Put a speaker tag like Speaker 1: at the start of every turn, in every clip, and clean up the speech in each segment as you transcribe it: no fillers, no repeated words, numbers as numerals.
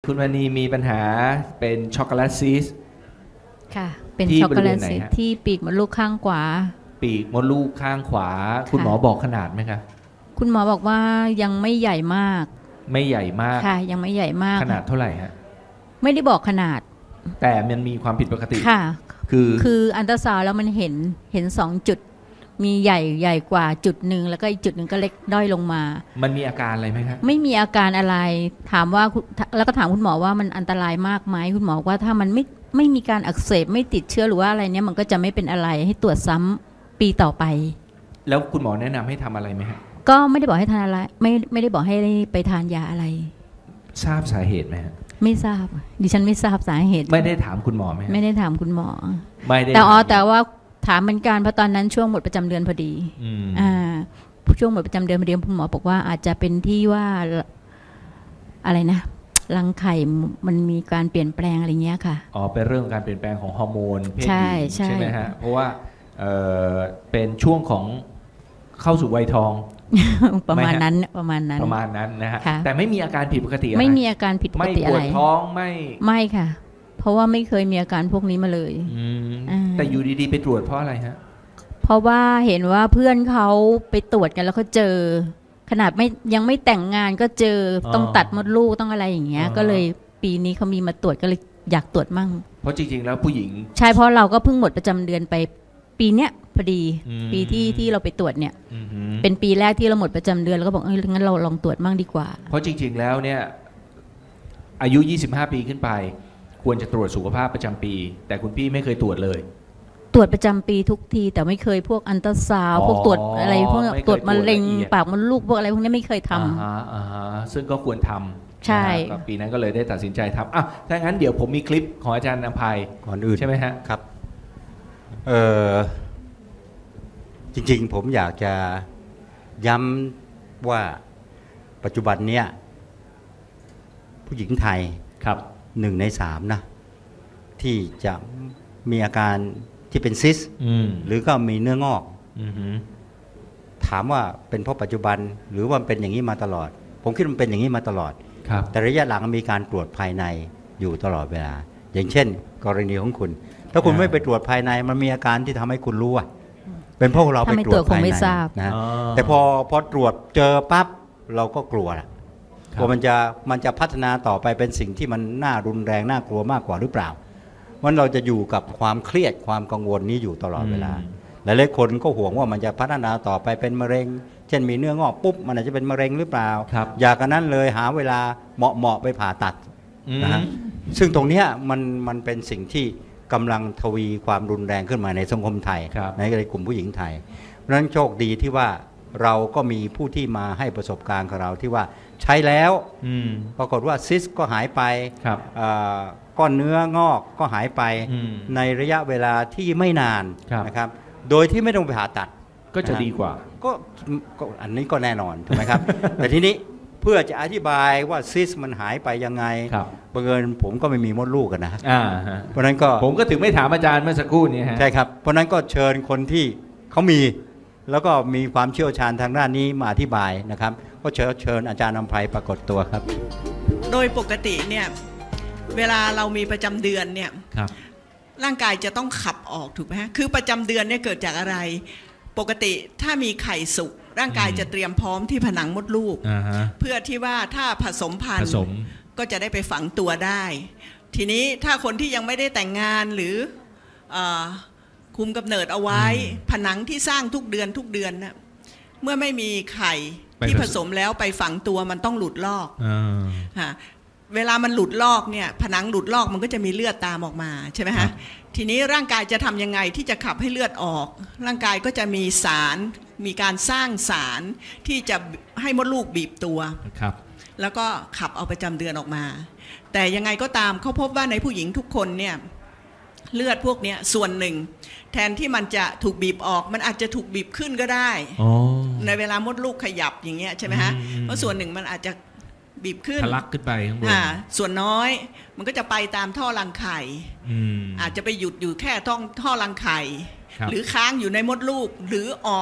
Speaker 1: คุณวณีมีปัญหาเป็นช็อกโกแลตซีสต์
Speaker 2: ค่ะเป็น
Speaker 1: ที่
Speaker 2: ช็อกโกแลต
Speaker 1: บริเวณไหน
Speaker 2: ซีส
Speaker 1: ฮะ
Speaker 2: ที่ปีกมดลูกข้างขวา
Speaker 1: ปีกมดลูกข้างขวา คุณหมอบอกขนาดไหมคะ
Speaker 2: คุณหมอบอกว่ายังไม่ใหญ่มาก
Speaker 1: ไม่ใหญ่มาก
Speaker 2: ค่ะยังไม่ใหญ่มาก
Speaker 1: ขนาดเท่าไหร่ฮะ
Speaker 2: ไม่ได้บอกขนาด
Speaker 1: แต่มันมีความผิดปกติ
Speaker 2: ค่ะ
Speaker 1: คือ
Speaker 2: อันตราซาวด์แล้วมันเห็น2 จุดมีใหญ่กว่าจุดหนึ่งแล้วก็อีกจุดหนึ่งก็เล็กด้อยลงมา
Speaker 1: มันมีอาการอะไรไหมครับ
Speaker 2: ไม่มีอาการอะไรถามว่าแล้วก็ถามคุณหมอว่ามันอันตรายมากไหมคุณหมอว่าถ้ามันไม่มีการอักเสบไม่ติดเชื้อหรือว่าอะไรเนี่ยมันก็จะไม่เป็นอะไรให้ตรวจซ้ำปีต่อไป
Speaker 1: แล้วคุณหมอแนะนำให้ทำอะไรไหมฮะ
Speaker 2: ก็ไม่ได้บอกให้ทานอะไรไม่ได้บอกให้ไปทานยาอะไร
Speaker 1: ทราบสาเหตุไหมฮะ
Speaker 2: ไม่ทราบดิฉันไม่ทราบสาเหตุ
Speaker 1: ไม่ได้ถามคุณหมอไหมฮะ
Speaker 2: ไม่ได้ถามคุณหมอ
Speaker 1: ไม่ได้
Speaker 2: แต่ว่าถามเหมือนกันเพราะตอนนั้นช่วงหมดประจำเดือนพอดีช่วงหมดประจำเดือนพอดีคุณหมอบอกว่าอาจจะเป็นที่ว่าอะไรนะรังไข่มันมีการเปลี่ยนแปลงอะไรเงี้ยค่ะ
Speaker 1: อ๋อเป็นเรื่องการเปลี่ยนแปลงของฮอร์โมนเพศหญิง
Speaker 2: ใช่
Speaker 1: ใช่ไหมฮะเพราะว่าเป็นช่วงของเข้าสู่วัยทอง
Speaker 2: ประมาณนั้น
Speaker 1: นะฮะแต่ไม่มีอาการผิดปกติอะไร
Speaker 2: ไม่มีอาการผิดปกติอะไร
Speaker 1: ไม่ปวดท้อง
Speaker 2: ไม่ค่ะเพราะว่าไม่เคยมีอาการพวกนี้มาเลย
Speaker 1: แต่อยู่ดีๆไปตรวจเพราะอะไรฮะ
Speaker 2: เพราะว่าเห็นว่าเพื่อนเขาไปตรวจกันแล้วเขาเจอขนาดยังไม่แต่งงานก็เจอต้องตัดมดลูกต้องอะไรอย่างเงี้ยก็เลยปีนี้เขามีมาตรวจก็เลยอยากตรวจมั่ง
Speaker 1: เพราะจริงๆแล้วผู้หญิง
Speaker 2: ใช่เพราะเราก็เพิ่งหมดประจำเดือนไปปีเนี้ยพอดีปีที่เราไปตรวจเนี่ยเป็นปีแรกที่เราหมดประจำเดือนแล้วก็บอกงั้นเราลองตรวจมั่งดีกว่า
Speaker 1: เพราะจริงๆแล้วเนี่ยอายุ25ปีขึ้นไปควรจะตรวจสุขภาพประจำปีแต่คุณพี่ไม่เคยตรวจเลย
Speaker 2: ตรวจประจำปีทุกทีแต่ไม่เคยพวกอัลตราซาวด์พวกตรวจอะไรพวกตรวจมะเร็งปากมดลูกพวกอะไรพวกนี้ไม่เคยท
Speaker 1: ำซึ่งก็ควรทำ
Speaker 2: ใช่
Speaker 1: ปีนั้นก็เลยได้ตัดสินใจทำถ้างั้นเดี๋ยวผมมีคลิปของอาจารย์อภัย
Speaker 3: ก่อนอื่น
Speaker 1: ใช่ไหมฮะ
Speaker 3: ครับจริงๆผมอยากจะย้ำว่าปัจจุบันเนี้ยผู้หญิงไทย
Speaker 1: ครับ
Speaker 3: 1 ใน 3นะที่จะมีอาการที่เป็นซิสหรือก็มีเนื้องอกถามว่าเป็นเพราะปัจจุบันหรือว่าเป็นอย่างนี้มาตลอดผมคิดว่ามันเป็นอย่างนี้มาตลอดแต่ระยะหลังมีการตรวจภายในอยู่ตลอดเวลาอย่างเช่นกรณีของคุณถ้าคุณไม่ไปตรวจภายในมันมีอาการที่ทำให้คุณรู้ว่าเป็นเพราะเราไปตรวจภายในนะแต่พอตรวจเจอปั๊บเราก็กลัวว่ามันจะพัฒนาต่อไปเป็นสิ่งที่มันน่ารุนแรงน่ากลัวมากกว่าหรือเปล่าวันเราจะอยู่กับความเครียดความกังวลนี้อยู่ตลอดเวลาหลายๆคนก็ห่วงว่ามันจะพัฒนาต่อไปเป็นมะเร็งเช่นมีเนื้องอกปุ๊บมันอาจจะเป็นมะเร็งหรือเปล่าอยากกันนั้นเลยหาเวลาเหมาะไปผ่าตัดนะฮะซึ่งตรงนี้มันเป็นสิ่งที่กำลังทวีความรุนแรงขึ้นมาในสังคมไทยในกลุ่มผู้หญิงไทยเพราะฉะนั้นโชคดีที่ว่าเราก็มีผู้ที่มาให้ประสบการณ์กับเราที่ว่าใช้แล้วปรากฏว่าซิสก็หายไปก้อนเนื้องอกก็หายไปในระยะเวลาที่ไม่นานนะครับโดยที่ไม่ต้องไปผ่าตัด
Speaker 1: ก็จะดีกว่า
Speaker 3: ก็อันนี้ก็แน่นอนถูกไหมครับ แต่ทีนี้เพื่อจะอธิบายว่าซิสมันหายไปยังไงบังเอิญผมก็ไม่มีมดลูกกันนะเพราะนั้นก็
Speaker 1: ผมก็ถึงไม่ถามอาจารย์เมื่อสักครู่นี้
Speaker 3: ใช่ครับเพราะนั้นก็เชิญคนที่เขามีแล้วก็มีความเชี่ยวชาญทางด้านนี้มาอธิบายนะครับก็เชิญอาจารย์อภัยปรากฏตัวครับ
Speaker 4: โดยปกติเนี่ยเวลาเรามีประจำเดือนเนี่ยร่างกายจะต้องขับออกถูกไหมฮะคือประจำเดือนเนี่ยเกิดจากอะไรปกติถ้ามีไข่สุกร่างกายจะเตรียมพร้อมที่ผนังมดลูกเพื่อที่ว่าถ้าผสมพันธุ์ก็จะได้ไปฝังตัวได้ทีนี้ถ้าคนที่ยังไม่ได้แต่งงานหรือคุมกำเนิดเอาไว้ผนังที่สร้างทุกเดือนนะเมื่อไม่มีไข่ที่ผสมแล้วไปฝังตัวมันต้องหลุดลอกเวลามันหลุดลอกเนี่ยผนังหลุดลอกมันก็จะมีเลือดตามออกมาใช่ไหมฮะทีนี้ร่างกายจะทำยังไงที่จะขับให้เลือดออกร่างกายก็จะมีสารมีการสร้างสารที่จะให้มดลูกบีบตัวแล้วก็ขับเอาประจำเดือนออกมาแต่ยังไงก็ตามเขาพบว่าในผู้หญิงทุกคนเนี่ยเลือดพวกนี้ส่วนหนึ่งแทนที่มันจะถูกบีบออกมันอาจจะถูกบีบขึ้นก็ได้ในเวลามดลูกขยับอย่างเงี้ยใช่ไหมฮะเพราะส่วนหนึ่งมันอาจจะบีบขึ้น
Speaker 1: ทะลักขึ้นไปข้างบน
Speaker 4: ส่วนน้อยมันก็จะไปตามท่อรังไข่อาจจะไปหยุดอยู่แค่ท่อรังไข่หรือค้างอยู่ในมดลูกหรือออก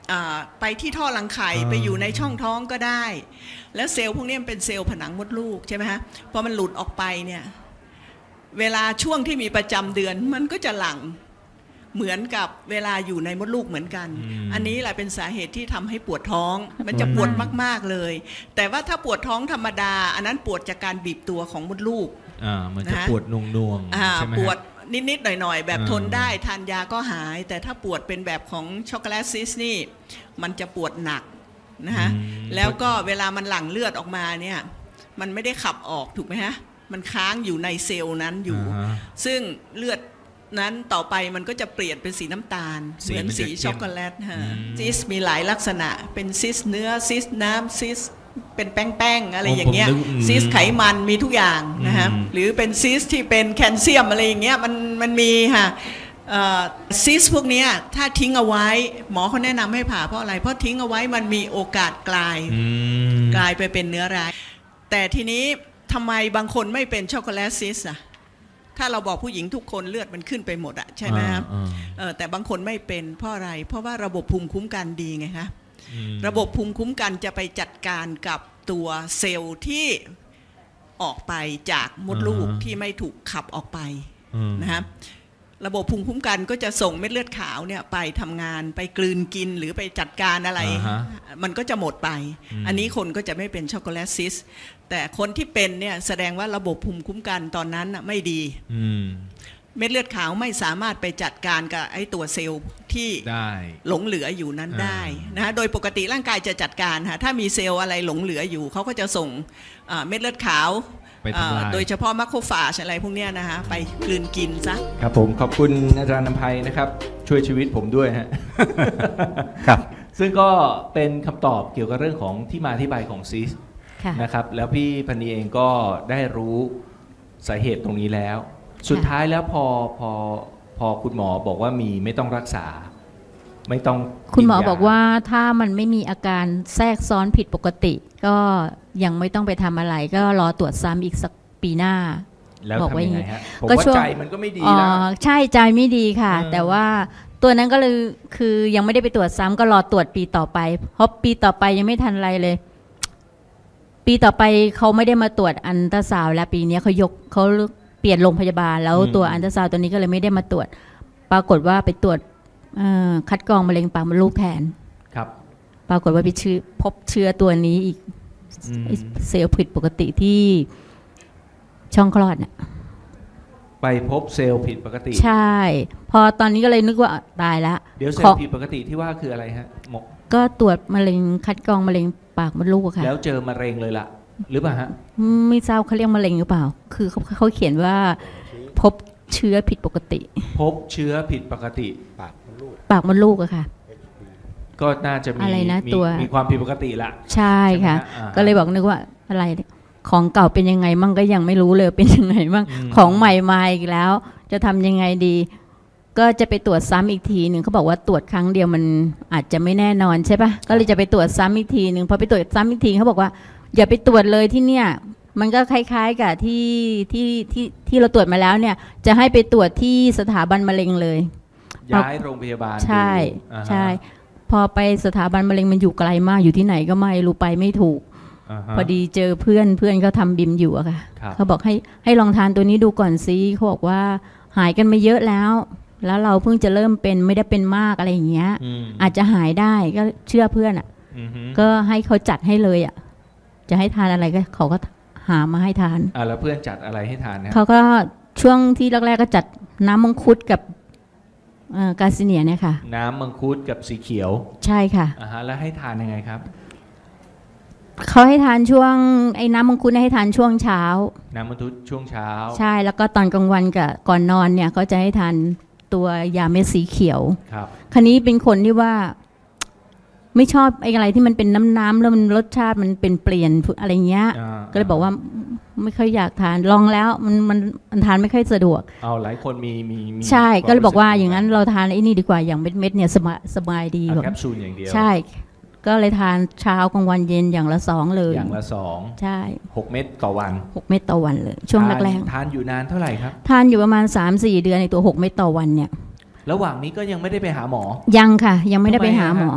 Speaker 4: ไปที่ท่อรังไข่ไปอยู่ในช่องท้องก็ได้แล้วเซลล์พวกนี้มันเป็นเซลล์ผนังมดลูกใช่ไหมฮะพอมันหลุดออกไปเนี่ยเวลาช่วงที่มีประจำเดือนมันก็จะหลั่งเหมือนกับเวลาอยู่ในมดลูกเหมือนกันอันนี้แหละเป็นสาเหตุที่ทำให้ปวดท้องมันจะปวดมากๆเลยแต่ว่าถ้าปวดท้องธรรมดาอันนั้นปวดจากการบีบตัวของมดลูก
Speaker 1: มันจะปวดนวงใช่ไหมป
Speaker 4: วดนิดๆหน่อยๆแบบทนได้ทานยาก็หายแต่ถ้าปวดเป็นแบบของช็อกโกแลตซิสนี่มันจะปวดหนักนะฮะแล้วก็เวลามันหลั่งเลือดออกมาเนี่ยมันไม่ได้ขับออกถูกไหมฮะมันค้างอยู่ในเซลล์นั้นอยู่ซึ่งเลือดนั้นต่อไปมันก็จะเปลี่ยนเป็นสีน้ำตาลเหมือนสีช็อกโกแลตฮะซิสมีหลายลักษณะเป็นซิสเนื้อซิสน้ำซิสเป็นแป้งๆอะไรอย่างเงี้ยซิสไขมันมีทุกอย่างนะฮะหรือเป็นซิสที่เป็นแคลเซียมอะไรอย่างเงี้ยมันมีค่ะซิสพวกนี้ถ้าทิ้งเอาไว้หมอเขาแนะนำให้ผ่าเพราะอะไรเพราะทิ้งเอาไว้มันมีโอกาสกลายไปเป็นเนื้อร้ายแต่ทีนี้ทำไมบางคนไม่เป็นช็อกโกแลตซิสอะถ้าเราบอกผู้หญิงทุกคนเลือดมันขึ้นไปหมดอะใช่ไหมครับแต่บางคนไม่เป็นเพราะอะไรเพราะว่าระบบภูมิคุ้มกันดีไงคะระบบภูมิคุ้มกันจะไปจัดการกับตัวเซลล์ที่ออกไปจากมดลูกที่ไม่ถูกขับออกไปนะครับระบบภูมิคุ้มกันก็จะส่งเม็ดเลือดขาวเนี่ยไปทำงานไปกลืนกินหรือไปจัดการอะไรมันก็จะหมดไปอันนี้คนก็จะไม่เป็นช็อกโกแลตซิสแต่คนที่เป็นเนี่ยแสดงว่าระบบภูมิคุ้มกันตอนนั้นไม่ดีเม็ดเลือดขาวไม่สามารถไปจัดการกับไอ้ตัวเซลล์ที่หลงเหลืออยู่นั้นได้นะโดยปกติร่างกายจะจัดการค่ะถ้ามีเซลล์อะไรหลงเหลืออยู่เขาก็จะส่งเม็ดเลือดขาวโดยเฉพาะมัคโคฟาจอะไรพวกนี้นะคะไปกลืนกินซะ
Speaker 1: ครับผมขอบคุณอาจารย์นำไพนะครับช่วยชีวิตผมด้วยฮะ
Speaker 3: ครับ
Speaker 1: ซึ่งก็เป็นคำตอบเกี่ยวกับเรื่องของที่มาที่ไปของซิสนะครับแล้วพี่พนีเองก็ได้รู้สาเหตุตรงนี้แล้วสุดท้ายแล้วพอคุณหมอบอกว่ามีไม่ต้องรักษาไม่ต้อง
Speaker 2: คุณหมอบอกว่าถ้ามันไม่มีอาการแทรกซ้อนผิดปกติก็ยังไม่ต้องไปทำอะไรก็รอตรวจซ้ำอีกสักปีหน้า
Speaker 1: แล้วทำยังไงฮะผมว่าใจมันก็ไม่ดีแล้ว
Speaker 2: ใช่ใจไม่ดีค่ะแต่ว่าตัวนั้นก็เลยคือยังไม่ได้ไปตรวจซ้ำก็รอตรวจปีต่อไปเพราะปีต่อไปยังไม่ทันอะไรเลยปีต่อไปเขาไม่ได้มาตรวจอัลตราซาวด์แล้วปีนี้เขาเปลี่ยนโรงพยาบาลแล้วตัวอัลตราซาวด์ตัวนี้ก็เลยไม่ได้มาตรวจปรากฏว่าไปตรวจคัดกรองมะเร็งปากมดลูกแทน
Speaker 1: ครับ
Speaker 2: ปรากฏว่าพบเชื้อตัวนี้อีกเซลล์ผิดปกติที่ช่องคลอดเนี่ย
Speaker 1: ไปพบเซลล์ผิดปกติ
Speaker 2: ใช่พอตอนนี้ก็เลยนึกว่าตายแล้ว
Speaker 1: เดี๋ยวเซลล์ผิดปกติที่ว่าคืออะไรฮะ
Speaker 2: ก็ตรวจมะเร็งคัดกรองมะเร็งปากมดลูกค่ะ
Speaker 1: แล้วเจอมะเร็งเลยล่ะหรือเปล่าฮะ
Speaker 2: ไม่ทราบเขาเรียกมะเร็งหรือเปล่าคือเขาเขียนว่าพบเชื้อผิดปกติ
Speaker 1: พบเชื้อผิดปกติ
Speaker 2: ปากมดลูกอะค่ะ
Speaker 1: ก็น่าจะมี
Speaker 2: อะไรนะตัว
Speaker 1: มีความผิดปกติละ
Speaker 2: ใช่ค่ะก็เลยบอกนึกว่าอะไรของเก่าเป็นยังไงมั่งก็ยังไม่รู้เลยเป็นยังไงมั่งของใหม่มาอีกแล้วจะทำยังไงดีก็จะไปตรวจซ้ำอีกทีหนึ่งเขาบอกว่าตรวจครั้งเดียวมันอาจจะไม่แน่นอนใช่ปะก็เลยจะไปตรวจซ้ำอีกทีหนึ่งพอไปตรวจซ้ำอีกทีเขาบอกว่าอย่าไปตรวจเลยที่เนี่ยมันก็คล้ายๆกับที่เราตรวจมาแล้วเนี่ยจะให้ไปตรวจที่สถาบันมะเร็งเลย
Speaker 1: ย้ายโรงพยาบาล
Speaker 2: ใช่ใช่พอไปสถาบันมะเร็งมันอยู่ไกลมากอยู่ที่ไหนก็ไม่รู้ไปไม่ถูกพอดีเจอเพื่อนเขาทำบิมอยู่อะค่ะเขาบอกให้ลองทานตัวนี้ดูก่อนซิเขาบอกว่าหายกันมาเยอะแล้วเราเพิ่งจะเริ่มเป็นไม่ได้เป็นมากอะไรอย่างเงี้ยอาจจะหายได้ก็เชื่อเพื่อนอะก็ให้เขาจัดให้เลยอะจะให้ทานอะไรก็เขาก็หามาให้ทาน
Speaker 1: แล้วเพื่อนจัดอะไรให้ทานนะ
Speaker 2: เขาก็ช่วงที่แรกๆก็จัดน้ำมังคุดกับกาซิเนียเนี่ยค่ะ
Speaker 1: น้ำมังคุดกับสีเขียว
Speaker 2: ใช่ค่ะ
Speaker 1: แล้วให้ทานยังไงครับ
Speaker 2: เขาให้ทานช่วงไอ้น้ำมังคุดให้ทานช่วงเช้า
Speaker 1: น้ำมังคุดช่วงเช้า
Speaker 2: ใช่แล้วก็ตอนกลางวันกับก่อนนอนเนี่ยก็จะให้ทานตัวยาเม็ดสีเขียว
Speaker 1: ครับ
Speaker 2: คราวนี้เป็นคนที่ว่าไม่ชอบไอ้อะไรที่มันเป็นน้ำแล้วมันรสชาติมันเป็นเปลี่ยนอะไรเงี้ยก็เลยบอกว่าไม่ค่อยอยากทานลองแล้วมันทานไม่ค่อยสะดวก
Speaker 1: หลายคนมี
Speaker 2: ใช่ก็เลยบอกว่าอย่างนั้นเราทานไอ้นี่ดีกว่าอย่างเม็ดเนี่ยสบายดี
Speaker 1: แคปซูลอย่างเดียว
Speaker 2: ใช่ก็เลยทานเช้ากลางวันเย็นอย่างละ2เลย
Speaker 1: อย่างละ2
Speaker 2: ใช่
Speaker 1: 6เม็ดต่อวัน
Speaker 2: 6เม็ดต่อวันเลยช่วงแรก
Speaker 1: ๆทานอยู่นานเท่าไหร่ครับ
Speaker 2: ทานอยู่ประมาณ 3-4 เดือนในตัว6เม็ดต่อวันเนี่ย
Speaker 1: ระหว่างนี้ก็ยังไม่ได้ไปหาหมอ
Speaker 2: ยังค่ะยังไม่ได้ไปหาหมอ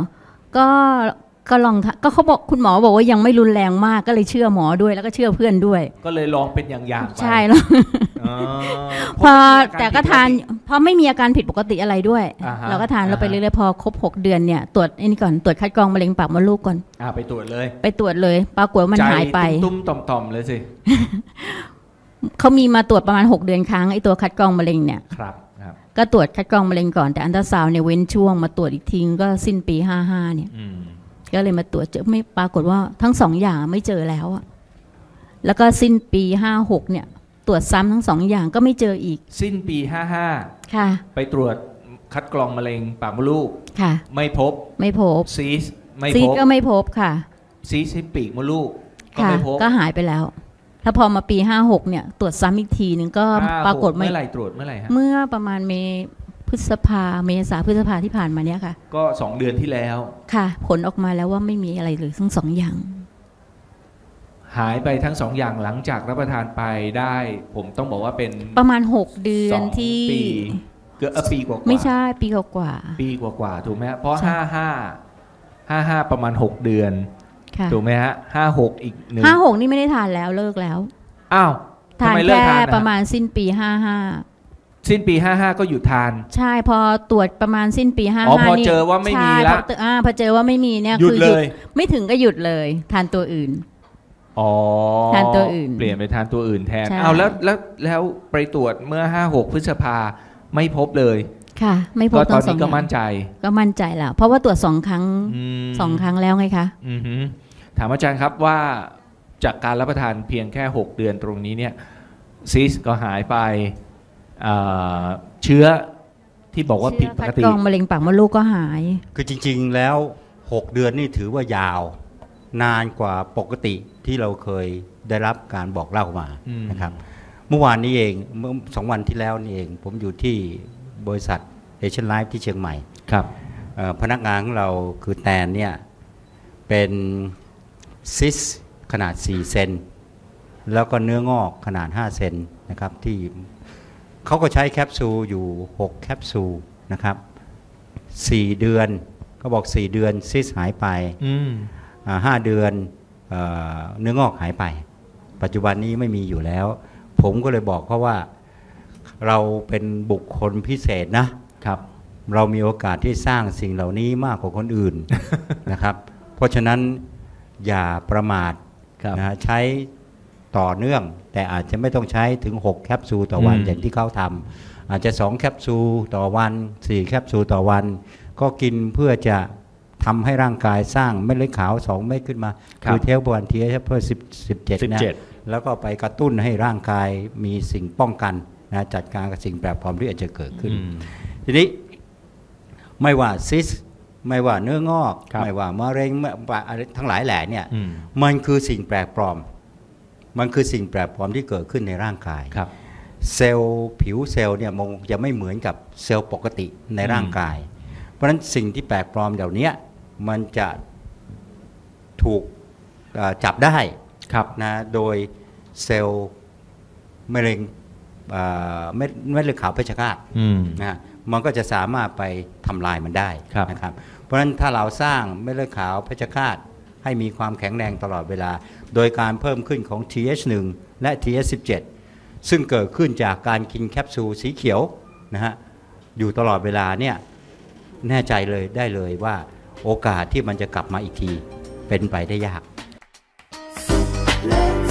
Speaker 2: ก็ลองก็เขาบอกคุณหมอบอกว่ายังไม่รุนแรงมากก็เลยเชื่อหมอด้วยแล้วก็เชื่อเพื่อนด้วย
Speaker 1: ก็เลยลองเป็นอย่างๆไป
Speaker 2: ใช่แล้วพอแต่ก็ทานพอไม่มีอาการผิดปกติอะไรด้วยเราก็ทานเราไปเรื่อยๆพอครบ6 เดือนเนี่ยตรวจนี่ก่อนตรวจคัดกรองมะเร็งปากมดลูกก่อน
Speaker 1: ไปตรวจเลย
Speaker 2: ปรากฏว่ามันหายไป
Speaker 1: ตุ้มต่อมเลยสิ
Speaker 2: เขามีมาตรวจประมาณ6 เดือนครั้งไอ้ตัวคัดกรองมะเร็งเนี่ย
Speaker 1: ครับ
Speaker 2: ก็ตรวจคัดกรองมะเร็งก่อนแต่อัลตราซาวน์เนี่ยเว้นช่วงมาตรวจอีกทีก็สิ้นปี55เนี่ยก็เลยมาตรวจเจอไม่ปรากฏว่าทั้ง2 อย่างไม่เจอแล้วอะแล้วก็สิ้นปี56เนี่ยตรวจซ้ำทั้ง2 อย่างก็ไม่เจออีก
Speaker 1: สิ้นปี55
Speaker 2: ค่ะ
Speaker 1: ไปตรวจคัดกรองมะเร็งปากมดลูก
Speaker 2: ค่ะ
Speaker 1: ไม่พบซีส
Speaker 2: ก็ไม่พบค่ะ
Speaker 1: ซีสที่ปีกมดลูกก็ไม่พบ
Speaker 2: ก็หายไปแล้วถ้าพอมาปี56เนี่ยตรวจซ้ำอีกทีนึงก็ปรากฏ
Speaker 1: เมื่อไหร่ตรวจเมื่อไหร่ฮะ
Speaker 2: เมื่อประมาณเมษาที่ผ่านมาเนี่ยค่ะ
Speaker 1: ก็2 เดือนที่แล้ว
Speaker 2: ค่ะผลออกมาแล้วว่าไม่มีอะไรเลยทั้ง2 อย่าง
Speaker 1: หายไปทั้ง2 อย่างหลังจากรับประทานไปได้ผมต้องบอกว่าเป็น
Speaker 2: ประมาณ6 เดือนที่
Speaker 1: เกือบปีกว่า
Speaker 2: ไม่ใช่ปีกว่า
Speaker 1: ถูกไหมเพราะ55ประมาณ6 เดือนถูกไหมฮะ56อีก1
Speaker 2: 56นี่ไม่ได้ทานแล้วเลิกแล้ว
Speaker 1: อ้าว
Speaker 2: ทานแค่ประมาณสิ้นปี55
Speaker 1: สิ้นปี55ก็หยุดทาน
Speaker 2: ใช่พอตรวจประมาณสิ้นปี55
Speaker 1: นี่พอเจอว่าไม่มีแล้ว
Speaker 2: พอเจอว่าไม่มีเนี่ยคือหยุดไม่ถึงก็หยุดเลยทานตัวอื่นทานตัวอื่น
Speaker 1: เปลี่ยนไปทานตัวอื่นแทนเอาแล้วไปตรวจเมื่อ56พฤษภาไม่พบเลย
Speaker 2: ค่ะไม่พบ
Speaker 1: ตอนนี้ก็มั่นใจ
Speaker 2: แล้วเพราะว่าตรวจ2 ครั้ง2 ครั้งแล้วไงคะ
Speaker 1: ถามอาจารย์ครับว่าจากการรับประทานเพียงแค่6 เดือนตรงนี้เนี่ยซีสก็หายไปเชื้อที่บอกว่าผิดปกติ
Speaker 2: คัดกรองมะเร็งปากมดลูกก็หาย
Speaker 3: คือจริงๆแล้ว6 เดือนนี่ถือว่ายาวนานกว่าปกติที่เราเคยได้รับการบอกเล่ามานะครับเมื่อวานนี้เองเมื่อ2 วันที่แล้วนี่เองผมอยู่ที่บริษัทเอเชียนไลฟ์ที่เชียงใหม่
Speaker 1: ครับ
Speaker 3: พนักงานของเราคือแตนเนี่ยเป็นซิสขนาด4 เซนแล้วก็เนื้องอกขนาด5 เซนนะครับที่เขาก็ใช้แคปซูลอยู่6 แคปซูลนะครับ4 เดือนก็บอก4 เดือนซิสหายไป5 เดือนเนื้องอกหายไปปัจจุบันนี้ไม่มีอยู่แล้วผมก็เลยบอกเขาว่าเราเป็นบุคคลพิเศษนะครับเรามีโอกาสที่สร้างสิ่งเหล่านี้มากกว่าคนอื่น นะครับเพราะฉะนั้นอย่าประมาทนะใช้ต่อเนื่องแต่อาจจะไม่ต้องใช้ถึง6 แคปซูลต่อวันอย่างที่เขาทำอาจจะ2 แคปซูลต่อวัน4 แคปซูลต่อวันก็กินเพื่อจะทำให้ร่างกายสร้างเม็ดเลือดขาว2 เม็ดขึ้นมาคือเทลบอนทีเอชเพื่อ17นะแล้วก็ไปกระตุ้นให้ร่างกายมีสิ่งป้องกันนะจัดการกับสิ่งแปลกปลอมที่อาจจะเกิดขึ้นทีนี้ไม่ว่าซิสไม่ว่าเนื้องอกไม่ว่ามะเร็งทั้งหลายแหล่เนี่ยมันคือสิ่งแปลกปลอมมันคือสิ่งแปลกปลอมที่เกิดขึ้นในร่างกายเซลล์ผิวเซลล์เนี่ยมันจะไม่เหมือนกับเซลล์ปกติในร่างกายเพราะฉะนั้นสิ่งที่แปลกปลอมเหล่านี้มันจะถูกจับได้นะโดยเซลล์มะเร็งเม็ดเลือดขาวเพชฌฆาตนะมันก็จะสามารถไปทำลายมันได้นะครับเพราะฉะนั้นถ้าเราสร้างเม็ดเลือดขาวเพชฌฆาตให้มีความแข็งแรงตลอดเวลาโดยการเพิ่มขึ้นของ TH1 และ TH17 ซึ่งเกิดขึ้นจากการกินแคปซูลสีเขียวนะฮะอยู่ตลอดเวลาเนี่ยแน่ใจเลยได้เลยว่าโอกาสที่มันจะกลับมาอีกทีเป็นไปได้ยาก